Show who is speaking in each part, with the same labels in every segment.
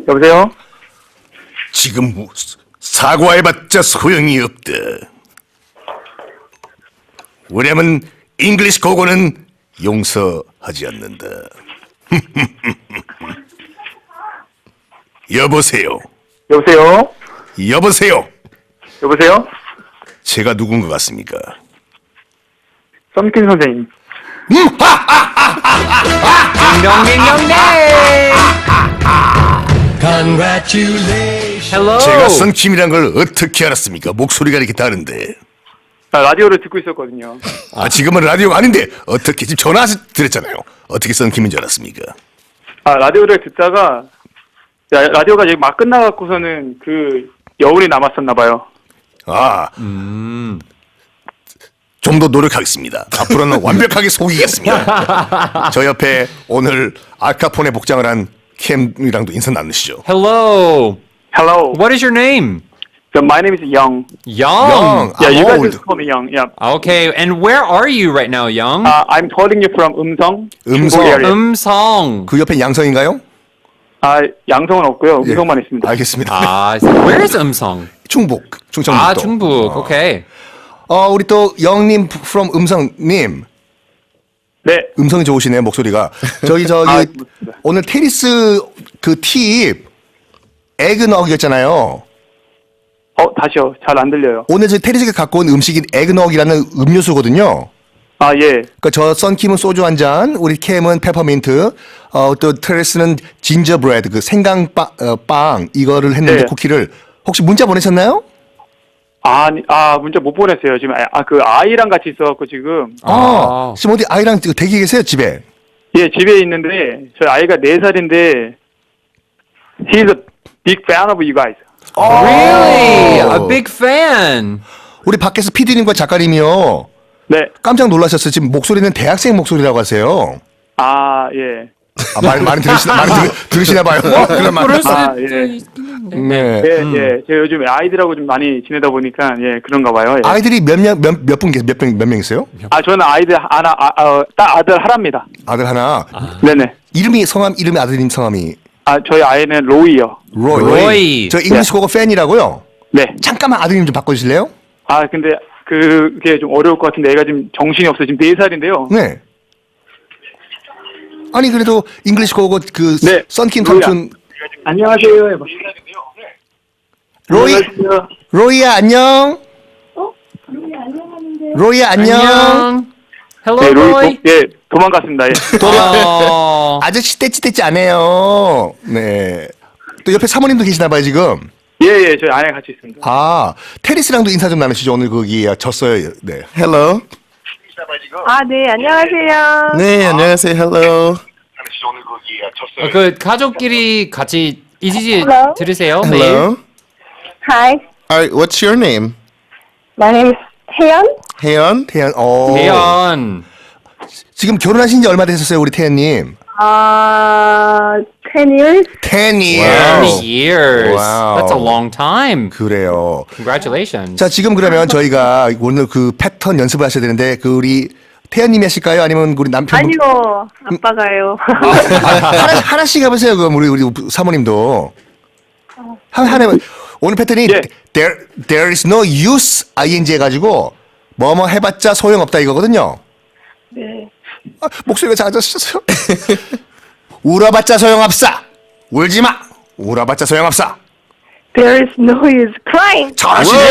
Speaker 1: 여보세요?
Speaker 2: 지금 사과해봤자 소용이 없다. 왜냐면 잉글리시 고고는 용서하지 않는다. 여보세요.
Speaker 1: 여보세요?
Speaker 2: 여보세요.
Speaker 1: 여보세요?
Speaker 2: 제가 누군 것 같습니까?
Speaker 1: 썸킨 선생님.
Speaker 3: 딩동딩동댕. Hello.
Speaker 2: 제가 썬킴이란 걸 어떻게 알았습니까? 목소리가 이렇게 다른데.
Speaker 1: 라디오를 듣고 있었거든요.
Speaker 2: 지금은 라디오가 아닌데 어떻게 지금 전화 드렸잖아요. 어떻게 썬킴인 줄 알았습니까?
Speaker 1: 라디오를 듣다가 라디오가 이제 막 끝나갖고서는 그 여운이 남았었나 봐요.
Speaker 2: 좀 더 노력하겠습니다. 앞으로는 완벽하게 속이겠습니다. 저 옆에 오늘 알카폰의 복장을 한 캠이랑도 인사 나누시죠.
Speaker 3: Hello.
Speaker 1: Hello.
Speaker 3: What is your name?
Speaker 1: So my name is Young.
Speaker 3: Young.
Speaker 1: Yeah, you guys
Speaker 2: old.
Speaker 1: just call me Young. Yeah.
Speaker 3: Okay, and where are you right now, Young?
Speaker 1: I'm calling you from 음성.
Speaker 2: 음성.
Speaker 1: 중국 area.
Speaker 3: 음성.
Speaker 2: 그 옆에 양성인가요?
Speaker 1: 양성은 없고요.
Speaker 2: 예.
Speaker 1: 음성만 있습니다.
Speaker 2: 알겠습니다.
Speaker 3: Where is 음성?
Speaker 2: 충북, 충청북도.
Speaker 3: 중북. Okay.
Speaker 2: 우리 또 영님 from 음성님.
Speaker 1: 네.
Speaker 2: 음성이 좋으시네요, 목소리가. 저기
Speaker 1: 고맙습니다.
Speaker 2: 오늘 테니스 그 팁 에그넉이었잖아요.
Speaker 1: 다시요. 잘 안 들려요.
Speaker 2: 오늘 저 테니스가 갖고 온 음식이 에그넉이라는 음료수거든요.
Speaker 1: 예.
Speaker 2: 그러니까 저 썬킴은 소주 한 잔, 우리 캠은 페퍼민트, 또 트레스는 진저브레드 그 빵 이거를 했는데
Speaker 1: 네.
Speaker 2: 쿠키를 혹시 문자 보내셨나요?
Speaker 1: 문자 못 보냈어요. 지금 그 아이랑 같이 있어갖고 지금.
Speaker 2: 지금 어디 아이랑 대기 계세요 집에?
Speaker 1: 예, 집에 있는데 저희 아이가 4살인데 he's a big fan of you guys.
Speaker 3: Really? A big fan.
Speaker 2: 우리 밖에서 PD님과 작가님이요.
Speaker 1: 네.
Speaker 2: 깜짝 놀라셨어요. 지금 목소리는 대학생 목소리라고 하세요.
Speaker 1: 예.
Speaker 2: 많이 들으시나 봐요. 그런 말.
Speaker 3: 그럴 수도
Speaker 1: 예.
Speaker 3: 있긴 한데.
Speaker 2: 네.
Speaker 1: 예. 제가 요즘 아이들하고 좀 많이 지내다 보니까 그런가 봐요. 예.
Speaker 2: 아이들이 몇 명 있어요?
Speaker 1: 저는 아이들 하나 딱 아들 하나입니다.
Speaker 2: 아들 하나.
Speaker 1: 네네.
Speaker 2: 성함 이름이 아드님 성함이
Speaker 1: 저희 아이는 로이요.
Speaker 3: 로이.
Speaker 2: 저 잉글리시 고고 팬이라고요.
Speaker 1: 네.
Speaker 2: 잠깐만 아드님 좀 바꿔주실래요?
Speaker 1: 근데 그게 좀 어려울 것 같은데 애가 지금 정신이 없어. 지금 4살인데요.
Speaker 2: 네. 아니 그래도 잉글리시 고고
Speaker 1: 네.
Speaker 2: 썬킴
Speaker 1: 로이야.
Speaker 2: 삼촌
Speaker 1: 안녕하세요.
Speaker 2: 로이야 안녕. 로이야 안녕.
Speaker 3: Hello,
Speaker 1: 네,
Speaker 3: Roy.
Speaker 1: 도망갔습니다. 예.
Speaker 2: 아저씨 떼찌 안 해요. 네. 또 옆에 사모님도 계시나 봐요 지금.
Speaker 1: 예, 저희 아내가 같이 있습니다.
Speaker 2: 테리스랑도 인사 좀 나누시죠. 오늘 거기 졌어요. 네.
Speaker 4: Hello.
Speaker 5: 네, 안녕하세요.
Speaker 4: 네, 안녕하세요. Hello.
Speaker 3: 그 가족끼리 같이 이지지
Speaker 5: Hello?
Speaker 3: 들으세요. 매일.
Speaker 4: Hello.
Speaker 5: Hi,
Speaker 4: All right, what's your name?
Speaker 5: my name is 혜연.
Speaker 4: 혜연?
Speaker 2: 태연.
Speaker 3: 대연.
Speaker 2: 지금 결혼하신 지 얼마 되셨어요, 우리 태연님?
Speaker 5: 10 years.
Speaker 2: 10 years.
Speaker 3: Many years.
Speaker 2: Wow.
Speaker 3: That's a long time.
Speaker 2: 그래요.
Speaker 3: Congratulations.
Speaker 2: 자, 지금 그러면 저희가 오늘 그 패턴 연습을 하셔야 되는데 그 우리 태연님이 하실까요? 아니면 우리 남편?
Speaker 5: 아니요, 아빠가요.
Speaker 2: 하나씩 해보세요. 그럼 우리 사모님도 하나. 오늘 패턴이
Speaker 1: 예.
Speaker 2: there is no use ing 해가지고 뭐뭐 해봤자 소용없다 이거거든요.
Speaker 5: 네.
Speaker 2: 목소리가 작아졌어요. 울어봤자 소용없어. 울지 마. 울어봤자 소용없어.
Speaker 5: There is no use crying.
Speaker 2: 잘하시네.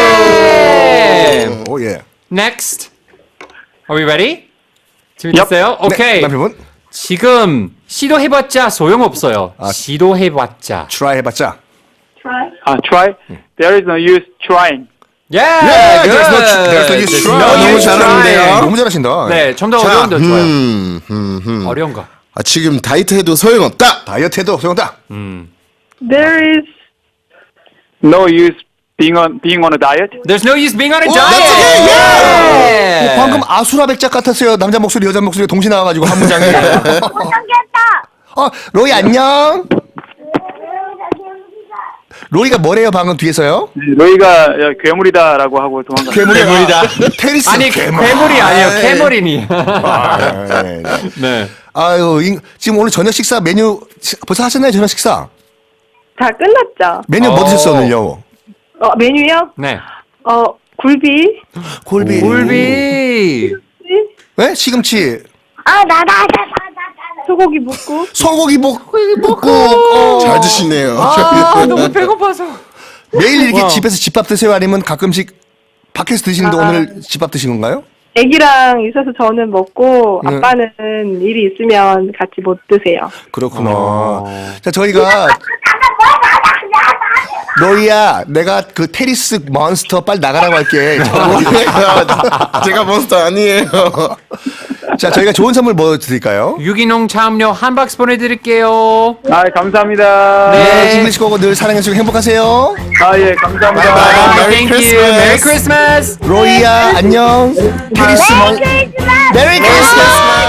Speaker 3: 네.
Speaker 2: 오 예.
Speaker 3: Next. Are we ready? 준비됐어요? 오케이.
Speaker 2: 네, 남편분
Speaker 3: 지금 시도해봤자 소용없어요. 시도해봤자.
Speaker 2: try 해봤자.
Speaker 5: Try.
Speaker 1: try. There is no use trying.
Speaker 3: Yeah,
Speaker 2: 네,
Speaker 3: good.
Speaker 2: there's no use
Speaker 3: There's
Speaker 2: trying.
Speaker 3: no
Speaker 4: 너무
Speaker 3: use
Speaker 4: 잘하는데요?
Speaker 3: trying.
Speaker 2: 너무 잘하신다.
Speaker 3: 네, 좀 더 어려운 데 좋아요. 어려운 거.
Speaker 4: 지금 다이어트해도 소용없다.
Speaker 2: 다이어트해도 소용없다.
Speaker 5: There is
Speaker 1: No use being on a diet.
Speaker 3: There's no use being on a
Speaker 2: that's
Speaker 3: diet.
Speaker 2: okay,
Speaker 3: Yeah.
Speaker 2: 방금 아수라 백작 같았어요. 남자 목소리, 여자 목소리 동시에 나와가지고 한 문장에. 로이 안녕. 로이가 뭐래요 방금 뒤에서요?
Speaker 1: 로이가 괴물이다라고 하고 도망갔어요.
Speaker 2: 괴물이다. 테리스.
Speaker 3: 아니 괴물이 아니에요. 캐머린이.
Speaker 2: 네.
Speaker 3: 네.
Speaker 2: 아유 지금 오늘 저녁 식사 메뉴 벌써 하셨나요 저녁 식사?
Speaker 5: 다 끝났죠?
Speaker 2: 메뉴 뭐 드셨어요, 오늘요?
Speaker 5: 메뉴요?
Speaker 3: 네.
Speaker 5: 굴비.
Speaker 2: 골비.
Speaker 3: 굴비.
Speaker 2: 네? 시금치.
Speaker 5: 소고기 묵국.
Speaker 2: 소고기 볶고.
Speaker 4: 잘 드시네요.
Speaker 3: 아, 너무 배고파서.
Speaker 2: 매일 이렇게
Speaker 3: 와.
Speaker 2: 집에서 집밥 드세요? 아니면 가끔씩 밖에서 드시는데 오늘 집밥 드신 건가요?
Speaker 5: 애기랑 있어서 저는 먹고
Speaker 2: 네.
Speaker 5: 아빠는 일이 있으면 같이 못 드세요.
Speaker 2: 그렇구나. 자, 저희가 너희야, 내가 그 테리스 몬스터 빨리 나가라고 할게.
Speaker 4: 제가 몬스터 아니에요.
Speaker 2: 자, 저희가 좋은 선물 뭐 드릴까요?
Speaker 3: 유기농 차음료 한 박스 보내드릴게요.
Speaker 1: 아, 감사합니다.
Speaker 2: 네, 잉글리시 고고 늘 사랑해주시고 행복하세요.
Speaker 1: 아, 예, 감사합니다.
Speaker 4: 바이바이.
Speaker 3: Thank you.
Speaker 4: Christmas.
Speaker 3: Merry Christmas.
Speaker 2: 로이야, 안녕. 테리스 몬 메리 크리스마스.